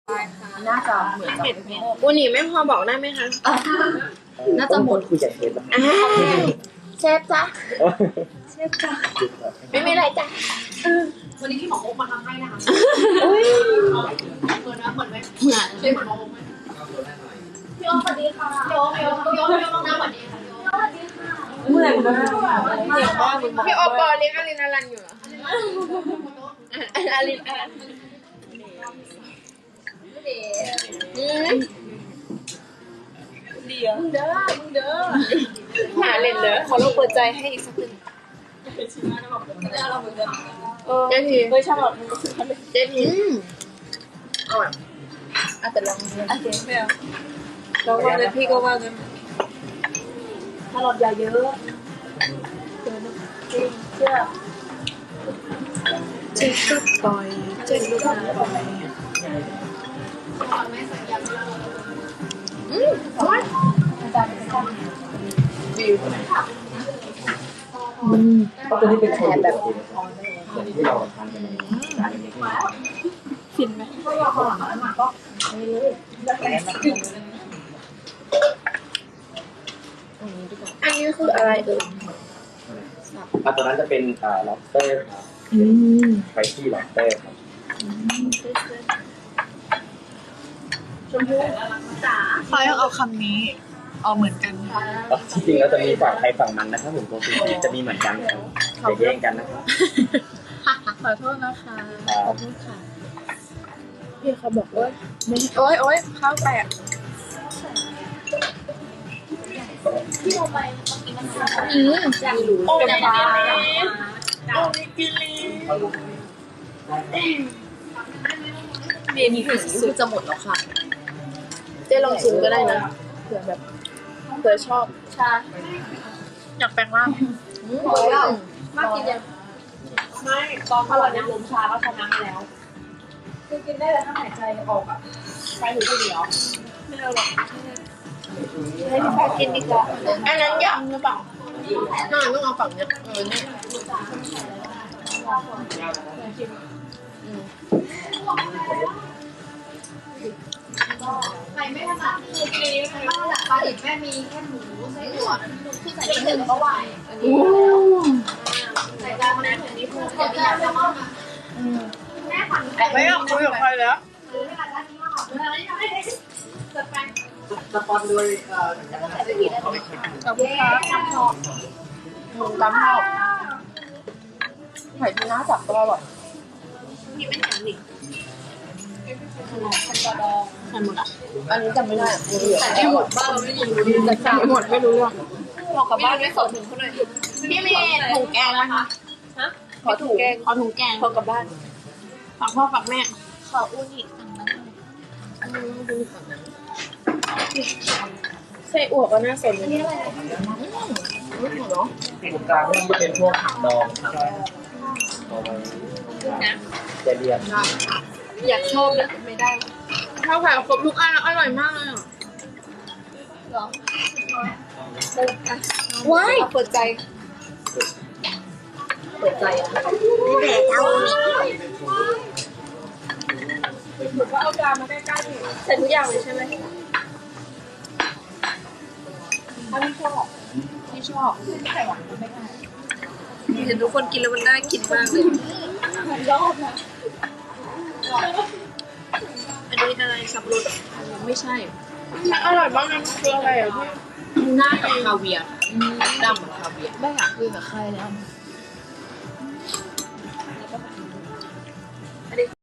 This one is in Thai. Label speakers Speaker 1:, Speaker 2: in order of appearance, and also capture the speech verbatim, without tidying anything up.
Speaker 1: น่าจะเหมือนกับ
Speaker 2: อูนี่ไม่พอบอกได้ไหมคะ
Speaker 1: น่าจะหมด
Speaker 3: คุยกับเชฟ
Speaker 2: อ่าเชฟจ้ะเชฟจ้ะไม่มีอะไรจ้ะ
Speaker 4: วันนี้พี่หมอโอ๊กมาทำให้นะคะ
Speaker 2: อุ้ย
Speaker 4: เหมือนนะเหมือนไหมเหมือนใช่เหมือนหมอโอ๊กไหมพี่โอ๊กสวัสดีค่ะพี่โอ๊กพี่โอ๊กพี่โอ๊กพี่โอ๊กน้ำสวัสดีค่ะพี่โอ๊กสวัสดีค่ะ
Speaker 1: เหมือนมาก
Speaker 2: พี่โอปอเลี้ยงอลินอลันอยู่เหรออลินอลันอืม
Speaker 1: เดียวเด้อมึงเด้อ
Speaker 2: หาเล่นเด้อขอลองเปิดใจให้อีกสักหนึ่งเจ๊ที
Speaker 1: เฮ้ยชอบแบบ
Speaker 2: เจ๊ที
Speaker 1: อร่อยอ่ะแต่ลองดูโอเคไม่เอาลองว่าเลยพี่ก็ว่ากันถ้าหลอดยาเยอะจริงเชื่อเจ็บก็ปล่อยเจ็บก็ปล่อย
Speaker 2: อืมอร่อย
Speaker 1: วิว
Speaker 3: ตัวนี้เป็นแผนแบบที่เราทานกันในร้านเล็ก
Speaker 1: ฟินไหม
Speaker 2: อันนี้คืออะไรเอ่ย
Speaker 3: ๆอ่ะตัวนั้นจะเป็นอ่า lobster ครับไฟที่ lobster ครับ
Speaker 1: เขายังเอาคำนี้เอาเหมือนกัน
Speaker 3: จริงๆแล้วจะมีฝั่งไทยฝั่งมันนะครับผมตัวสีจะมีเหมือนกันครับจะแย่งกันนะครับ
Speaker 1: ขอโทษนะคะ
Speaker 3: ครับ
Speaker 1: ค่ะ
Speaker 2: พี่เขาบอกว่า
Speaker 1: โอ๊ยโอ๊ยข้าวแตก
Speaker 2: อืม
Speaker 1: โอ้ยมา
Speaker 2: เมนูถึงคือจะหมดแล้วค่ะเจ๊ลองชิมก็ได้นะเผื่อแบบเผื่อชอบ
Speaker 1: ชาอยากแปลงร่าง
Speaker 2: อืมมากกินยัง
Speaker 4: ไม่ตอนอร่อยเนี่ยลมชาก็ชนะมาแล้วคือกินได้แต่ถ้าหายใจออกอ่ะไปถึงจะเหลียว
Speaker 1: ไม่เอาหรอก
Speaker 2: ให้พี่ปากินดีกว่าอันนั้นยำหรือเปล่าน่าต้องเอาฝั่งเนี้ยเออเนี่ยอืม
Speaker 4: ใครไม่ถนัดคือกินใครไม่ถนัดปลาดิบแม่มีแค่หมูไส้อั่วที่ใส่หนึ่งก็ไหวใส่จานนั้นอย่างนี้พูดเดี๋ยวอยากจะมอบแม่ฝัน
Speaker 1: ไม่อยากคุยกับใครแล้ว
Speaker 4: หรือไม่อยากได้ที่ห้องหรืออะไรที่ไม่ได้จัดไป
Speaker 3: สปอนด้วยเอ่อ
Speaker 4: ใส่ไปกี่ได้ไหม
Speaker 1: ขอบคุณครับ
Speaker 4: ทำทอง
Speaker 2: หมูตำข้าวไข่ทูน่าสับก็อร่อย
Speaker 4: พี่ไม่แข็งดิ
Speaker 2: ไข่หมดอ่ะอันนี้จำไม่ได้อะเหลือ
Speaker 4: แต่ไม่หมดบ้านเราไม่ยินรู้
Speaker 2: แต่จำไม่หมดไม่รู้อ่ะ
Speaker 4: บอกกับบ้านไม่สดถึงเขาหน่อยพี่เมย์ถุงแกงนะคะ
Speaker 2: ขอถุงแกงขอถุงแกงพอกลับบ้านฝากพ่อฝากแม่
Speaker 4: ขออูนิสั่งมาหน่อย
Speaker 2: อืมดูฝั่งนั้นไส้อั่วก็น่าสนเลย
Speaker 4: นี่อะไร
Speaker 2: รู้ถูกเนาะ
Speaker 3: ตรงกลางนี่จะเป็นพวกผักดองครับเอาไว้จะเรียน
Speaker 2: อยากชอบนะไม่ได้ข้าวผัดครบทุกอันแล้วอร่อยมากเลยอ่ะ
Speaker 4: หรอ
Speaker 2: ว้าย
Speaker 1: เปิดใจ
Speaker 2: เปิดใจอ่ะ
Speaker 4: นี่แหละเจ้านี่
Speaker 1: ว่าเอาจานมาใกล้ๆดิ
Speaker 2: ใส่ทุกอย่างเลยใช่ไหม
Speaker 1: ถ้าพี่ชอบพี่ชอบไข่หวานไม่ได้เห็นทุกคนกินแล้วมันน่ากินมากเลย
Speaker 4: ชอบนะ
Speaker 1: อันนี้อะไรสับปะรดไม่ใช่
Speaker 2: อร่อยมากนะคืออะไรอ่ะพี่
Speaker 1: หน้ากับคาเวียร์ดำกับคาเวียร์
Speaker 2: ไม่อยากคุยกับใครแล้ว